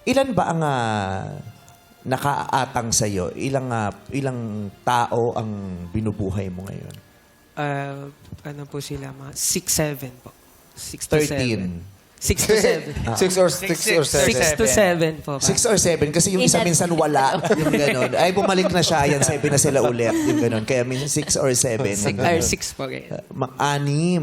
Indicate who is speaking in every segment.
Speaker 1: Ilan ba ang nakaatang sa'yo? Ilang tao ang binubuhay mo ngayon?
Speaker 2: Ano po sila, mga 6-7 po. 6 to 7.
Speaker 1: 13.
Speaker 2: 6 to 7.
Speaker 3: 6 or 7.
Speaker 2: 6 to 7 po.
Speaker 1: 6 or 7 kasi yung isa minsan wala. Yung gano'n. Ay, bumalik na siya. Ayan, 7 na sila ulit. Yung gano'n. Kaya minsan 6 or 7.
Speaker 2: 6 po kayo.
Speaker 1: Anim.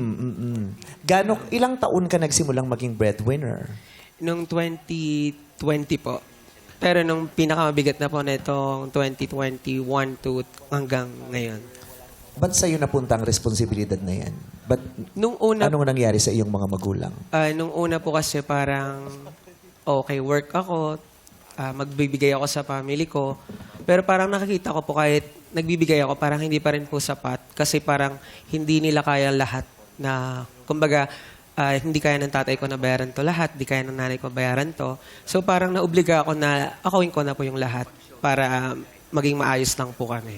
Speaker 1: Ilang taon ka nagsimulang maging breadwinner?
Speaker 2: Nung 2020 po. Pero nung pinakamabigat na po na itong 2021 to hanggang ngayon.
Speaker 1: Ba't sa'yo napunta ang responsibilidad na yan? Ba't,
Speaker 2: Nung una,
Speaker 1: anong nangyari sa iyong mga magulang?
Speaker 2: nung una po kasi parang okay, work ako, magbibigay ako sa family ko. Pero parang nakikita ko po kahit nagbibigay ako, parang hindi pa rin po sapat. Kasi parang hindi nila kaya lahat na, kumbaga, hindi kaya ng tatay ko na bayaran to lahat, hindi kaya ng nanay ko bayaran to. So parang naobliga ako na akawin ko na po yung lahat para maging maayos lang po kami.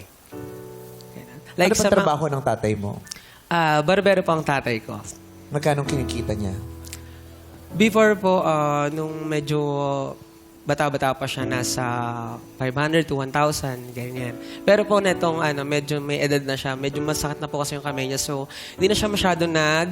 Speaker 1: Ano ba trabaho ng tatay mo?
Speaker 2: Barbero po ang tatay ko.
Speaker 1: Magkano kinikita niya?
Speaker 2: Before po, nung medyo bata-bata pa siya, nasa 500 to 1,000, ganyan. Pero po netong medyo may edad na siya, medyo masakit na po kasi yung kamay niya. So, hindi na siya masyado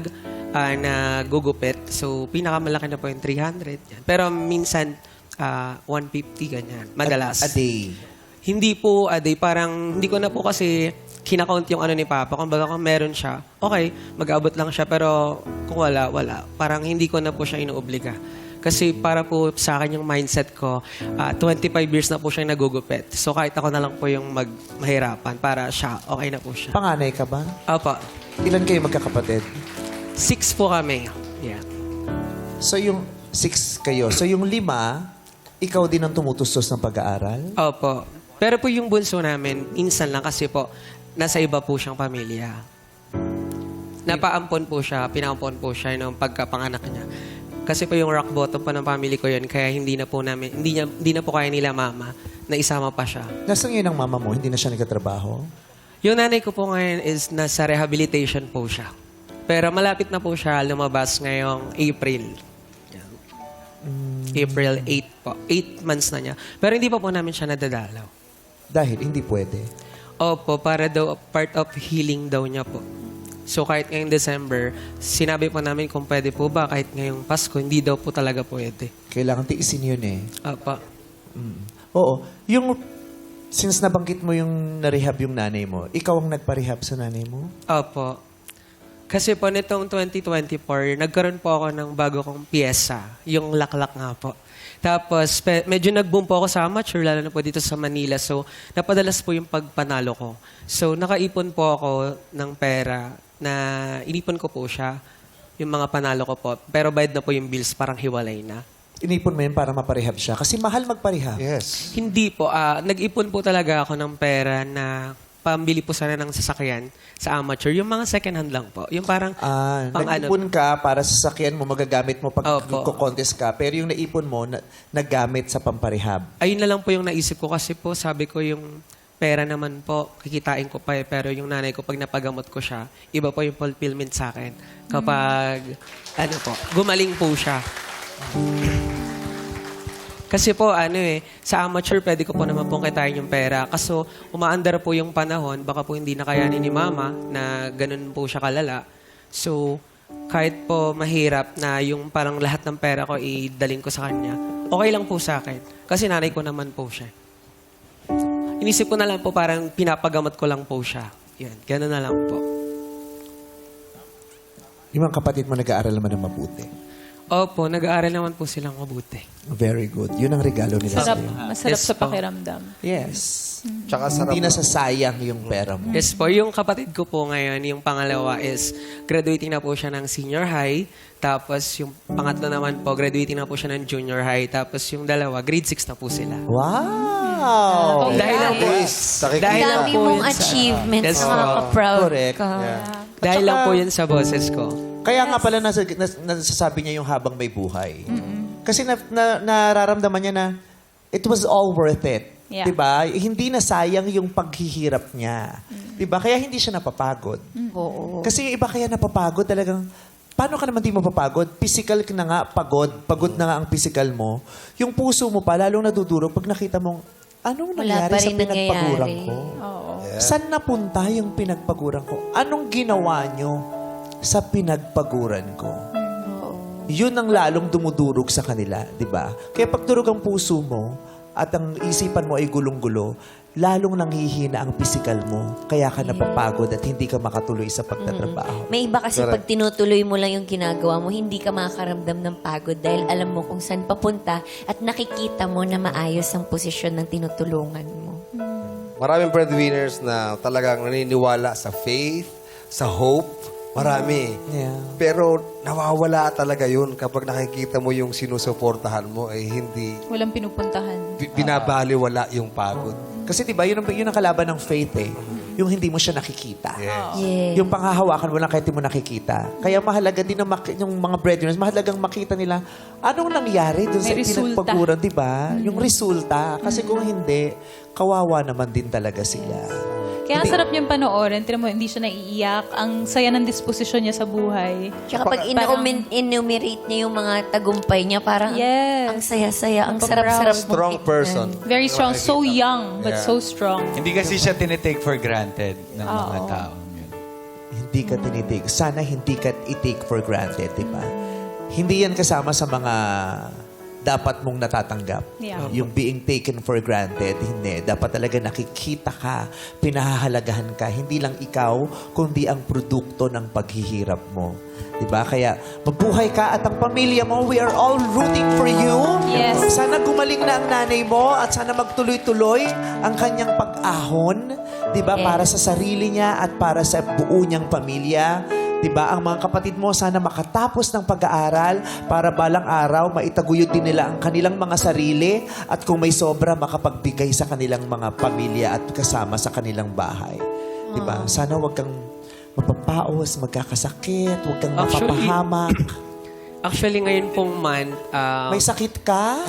Speaker 2: nagugupit. So, pinakamalaki na po yung 300. Yan. Pero minsan, 150, ganyan. Madalas.
Speaker 1: A day?
Speaker 2: Hindi po a day. Parang hindi ko na po kasi kinakount yung ni Papa. Kung baga kung meron siya, okay, mag-abot lang siya. Pero kung wala, wala. Parang hindi ko na po siya inuobliga. Kasi para po sa akin yung mindset ko, 25 years na po siya nagugupit. So kahit ako na lang po yung mahirapan para siya, okay na po siya.
Speaker 1: Panganay ka ba?
Speaker 2: Opo.
Speaker 1: Ilan kayo magkakapatid?
Speaker 2: 6 po kami. Yeah.
Speaker 1: So yung 6 kayo. So yung 5, ikaw din ang tumutustos ng pag-aaral?
Speaker 2: Opo. Pero po yung bunso namin, insan lang kasi po, nasa iba po siyang pamilya. Napaampon po siya, pinaampon po siya nung pagkapanganak niya. Kasi po yung rock bottom pa ng family ko yun, kaya hindi na po kaya nila mama na isama pa siya.
Speaker 1: Nasaan ngayon ang mama mo? Hindi na siya nagkatrabaho?
Speaker 2: Yung nanay ko po ngayon is nasa rehabilitation po siya. Pero malapit na po siya lumabas ngayong April. Yan. April 8 po. 8 months na niya. Pero hindi pa po namin siya nadadalaw.
Speaker 1: Dahil hindi pwede.
Speaker 2: Opo, para daw part of healing daw niya po. So kahit ngayong December, sinabi po namin kung pwede po ba kahit ngayong Pasko, hindi daw po talaga pwede.
Speaker 1: Kailangan tiisin yun eh.
Speaker 2: Opo.
Speaker 1: Oo. Since nabanggit mo yung na-rehab yung nanay mo, ikaw ang nagpa-rehab sa nanay mo?
Speaker 2: Opo. Kasi po nitong 2024, nagkaroon po ako ng bago kong piyesa, yung laklak nga po. Tapos, medyo nag-boom po ako sa amateur, lalo na po dito sa Manila. So, napadalas po yung pagpanalo ko. So, nakaipon po ako ng pera na inipon ko po siya, yung mga panalo ko po. Pero bayad na po yung bills, parang hiwalay na.
Speaker 1: Inipon mo yun para maparehab siya? Kasi mahal magparehab.
Speaker 3: Yes.
Speaker 2: Hindi po. Nag-ipon po talaga ako ng pera na pambili po sana ng sasakyan sa amateur. Yung mga second hand lang po. Yung parang
Speaker 1: nag-ipon ka para sa sasakyan mo, magagamit mo pag
Speaker 2: Opo.
Speaker 1: contest ka. Pero yung naipon mo, naggamit sa pamparehab.
Speaker 2: Ayun na lang po yung naisip ko kasi po sabi ko yung pera naman po, kikitain ko pa eh. Pero yung nanay ko, pag napagamot ko siya, iba po yung fulfillment sa akin. Kapag, gumaling po siya. Kasi po, sa amateur, pwede ko po naman pong kitain yung pera. Kaso, umaandar po yung panahon, baka po hindi na kayanin ni mama na ganun po siya kalala. So, kahit po mahirap na yung parang lahat ng pera ko idaling ko sa kanya, okay lang po sa akin. Kasi nanay ko naman po siya. Inisip ko na lang po parang pinapagamot ko lang po siya. Yan, ganun na lang po.
Speaker 1: Yung mga kapatid mo nag-aaral naman ng mabuti.
Speaker 2: Opo, nag-aaral naman po silang mabuti.
Speaker 1: Very good. Yun ang regalo nila sa'yo.
Speaker 4: Masarap
Speaker 2: Yes
Speaker 4: sa
Speaker 2: po.
Speaker 4: pakiramdam.
Speaker 1: Yes.
Speaker 3: Tsaka sarap.
Speaker 1: Hindi nasasayang yung pera mo.
Speaker 2: Yes po, yung kapatid ko po ngayon, yung pangalawa is graduating na po siya ng senior high. Tapos yung pangatlo naman po, graduating na po siya ng junior high. Tapos yung dalawa, grade 6 na po sila.
Speaker 1: Wow!
Speaker 2: Dahil lang po,
Speaker 3: Dahil
Speaker 2: dahil lang
Speaker 5: Dami
Speaker 2: po
Speaker 5: mong
Speaker 2: yun sa-
Speaker 5: achievements
Speaker 2: Yes
Speaker 5: na
Speaker 2: po.
Speaker 5: nakaka-proud
Speaker 1: Correct.
Speaker 5: ka.
Speaker 2: Dahil lang po yun sa boses ko.
Speaker 1: Kaya nga pala nasasabi niya yung habang may buhay. Kasi nararamdaman niya na it was all worth it.
Speaker 4: Yeah.
Speaker 1: Diba? Hindi na sayang yung paghihirap niya. Diba? Kaya hindi siya napapagod.
Speaker 5: Oo.
Speaker 1: Kasi yung iba kaya napapagod talagang paano ka naman di mapapagod? Physical ka na nga, pagod na nga ang physical mo. Yung puso mo pa, lalong nadudurog pag nakita mong, anong
Speaker 4: Wala
Speaker 1: nangyari
Speaker 4: pa
Speaker 1: sa
Speaker 4: rin
Speaker 1: pinagpaguran
Speaker 4: nangyayari.
Speaker 1: ko?
Speaker 5: Oo.
Speaker 1: Saan napunta yung pinagpaguran ko? Anong ginawa nyo sa pinagpaguran ko? Yun ang lalong dumudurog sa kanila, di ba? Kaya pag durog ang puso mo at ang isipan mo ay gulong-gulo, lalong nanghihina ang physical mo. Kaya ka napapagod at hindi ka makatuloy sa pagtatrabaho.
Speaker 4: May iba kasi pag tinutuloy mo lang yung ginagawa mo, hindi ka makakaramdam ng pagod dahil alam mo kung saan papunta at nakikita mo na maayos ang posisyon ng tinutulungan mo.
Speaker 3: Maraming breadwinners na talagang naniniwala sa faith, sa hope. Marami.
Speaker 1: Yeah.
Speaker 3: Pero nawawala talaga yun kapag nakikita mo yung sinusuportahan mo ay hindi
Speaker 5: Walang pinupuntahan.
Speaker 3: binabaliwala yung pagod.
Speaker 1: Kasi diba, yun ang kalaban ng faith eh. Yung hindi mo siya nakikita.
Speaker 4: Yes.
Speaker 1: Yung panghahawakan mo lang kahit hindi mo nakikita. Kaya mahalaga din yung mga breadwinners, mahalagang makita nila anong nangyari dun sa
Speaker 5: May resulta.
Speaker 1: pinagpaguran, di ba? Yung resulta. Kasi kung hindi, kawawa naman din talaga sila.
Speaker 5: Kaya ang sarap niyang panoorin. Tignan mo, hindi siya naiiyak. Ang saya ng disposisyon niya sa buhay.
Speaker 4: Tsaka pag enumerate niya yung mga tagumpay niya, parang
Speaker 5: Yes.
Speaker 4: ang saya-saya, ang
Speaker 5: Ang
Speaker 4: sarap-sarap mong
Speaker 3: Strong
Speaker 4: tignan.
Speaker 3: person.
Speaker 5: Very strong. So young, but so strong.
Speaker 6: Hindi kasi siya tinitake for granted ng mga taong yun.
Speaker 1: Hindi ka tinitig. Sana hindi ka i-take for granted, di ba? Hindi yan kasama sa mga dapat mong natatanggap.
Speaker 5: Yeah.
Speaker 1: Yung being taken for granted, hindi. Dapat talaga nakikita ka, pinahahalagahan ka. Hindi lang ikaw, kundi ang produkto ng paghihirap mo. Diba? Kaya mabuhay ka at ang pamilya mo, we are all rooting for you.
Speaker 5: Yes.
Speaker 1: Sana gumaling na ang nanay mo at sana magtuloy-tuloy ang kanyang pag-ahon. Diba?
Speaker 4: Yes.
Speaker 1: Para sa sarili niya at para sa buo niyang pamilya. Diba? Ang mga kapatid mo sana makatapos ng pag-aaral para balang araw maitaguyod din nila ang kanilang mga sarili at kung may sobra makapagbigay sa kanilang mga pamilya at kasama sa kanilang bahay. Diba? Sana wag kang mapapaos, magkakasakit, wag kang
Speaker 2: Actually,
Speaker 1: mapapahamak.
Speaker 2: Actually, ngayon pong month,
Speaker 1: May sakit ka?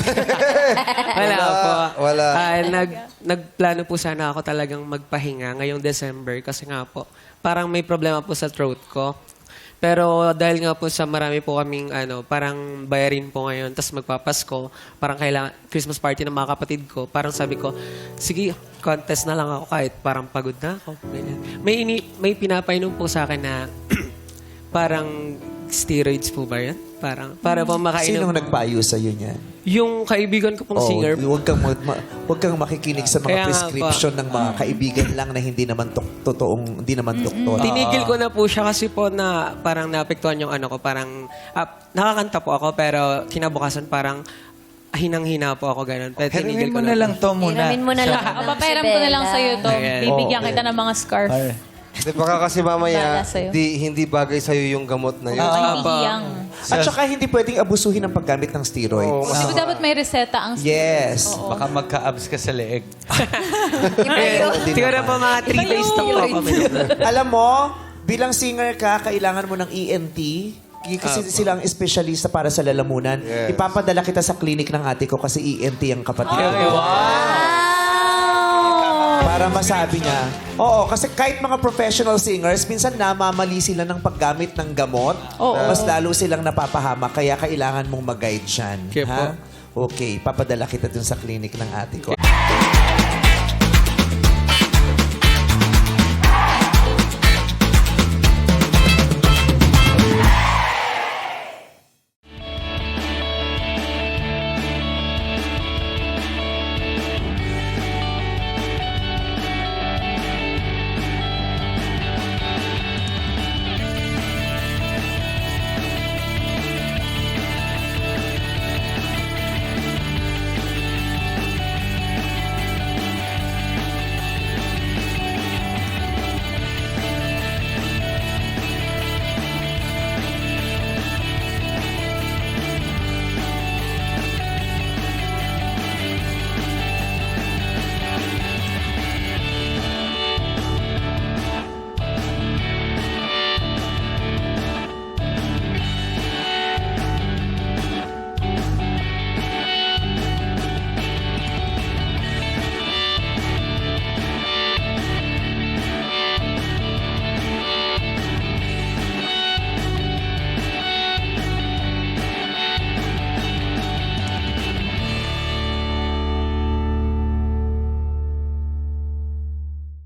Speaker 2: wala po.
Speaker 3: wala.
Speaker 2: Nagplano po sana ako talagang magpahinga ngayong December kasi nga po, parang may problema po sa throat ko. Pero dahil nga po sa marami po kaming parang bayarin po ngayon, tapos magpapasko, parang kailangan Christmas party ng mga kapatid ko, parang sabi ko, sige, contest na lang ako kahit parang pagod na ako. Ganyan. May pinapainom po sa akin na parang steroids po ba yan? Parang, para po makainom.
Speaker 1: Sinong nagpayo sa'yo niyan?
Speaker 2: Yung kaibigan ko pong singer.
Speaker 1: Huwag kang makikinig sa mga
Speaker 2: Kaya nga
Speaker 1: prescription ng mga kaibigan lang na hindi naman totoong, hindi naman doktor.
Speaker 2: Tinigil ko na po siya kasi po na parang naapektuhan yung ko. Parang nakakanta po ako pero kinabukasan parang hinang-hina po ako ganun. Pero tinigil
Speaker 6: Hiramin
Speaker 2: ko
Speaker 6: mo na lang to muna.
Speaker 4: Hiramin mo na lang.
Speaker 5: Papairam ko na lang sa'yo to.
Speaker 2: Ayan.
Speaker 5: Bibigyan kita ng mga scarf.
Speaker 6: Ay.
Speaker 3: Di baka kasi mamaya,
Speaker 5: Bala sa'yo.
Speaker 3: hindi bagay sa'yo yung gamot na yun.
Speaker 5: Hindi
Speaker 2: Apa.
Speaker 5: hiyang.
Speaker 1: At saka hindi pwedeng abusuhin ng paggamit ng steroid.
Speaker 3: Oo,
Speaker 5: Di ba dapat may reseta ang
Speaker 1: Yes.
Speaker 6: Baka magka-abs ka sa leeg.
Speaker 2: Siguro po mga 3 days na po ako.
Speaker 1: Alam mo, bilang singer ka, kailangan mo ng ENT. Kasi sila ang espesyalista para sa lalamunan.
Speaker 3: Yes.
Speaker 1: Ipapadala kita sa clinic ng ate ko kasi ENT ang kapatid ko. Para masabi niya. Oo, kasi kahit mga professional singers, minsan namamali sila ng paggamit ng gamot.
Speaker 5: Oo.
Speaker 1: Mas lalo silang napapahama, kaya kailangan mong mag-guide siyan.
Speaker 2: Okay po.
Speaker 1: Okay, papadala kita dun sa clinic ng ate ko.